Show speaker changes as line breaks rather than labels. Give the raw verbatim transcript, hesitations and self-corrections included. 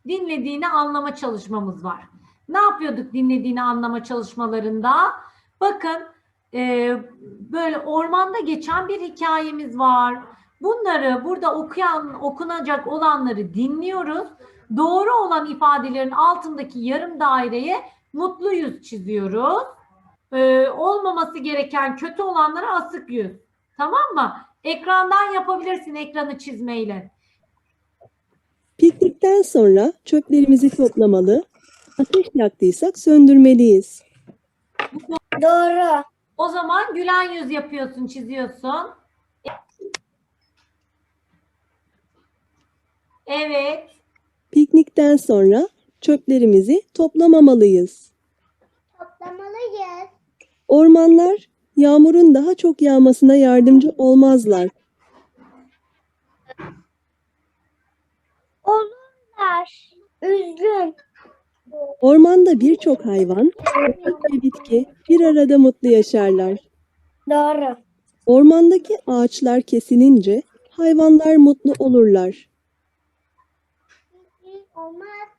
dinlediğini anlama çalışmamız var. Ne yapıyorduk dinlediğini anlama çalışmalarında? Bakın e, böyle ormanda geçen bir hikayemiz var. Bunları burada okuyan, okunacak olanları dinliyoruz. Doğru olan ifadelerin altındaki yarım daireye mutlu yüz çiziyoruz. Ee, olmaması gereken kötü olanlara asık yüz. Tamam mı? Ekrandan yapabilirsin ekranı çizmeyle.
Piknikten sonra çöplerimizi toplamalı, ateş yaktıysak söndürmeliyiz.
Doğru.
O zaman gülen yüz yapıyorsun, çiziyorsun. Evet.
Piknikten sonra çöplerimizi toplamamalıyız.
Toplamalıyız.
Ormanlar yağmurun daha çok yağmasına yardımcı olmazlar.
Olurlar. Üzgün.
Ormanda birçok hayvan, çiçek ve bitki bir arada mutlu yaşarlar.
Doğru.
Ormandaki ağaçlar kesilince hayvanlar mutlu olurlar.
Olmaz.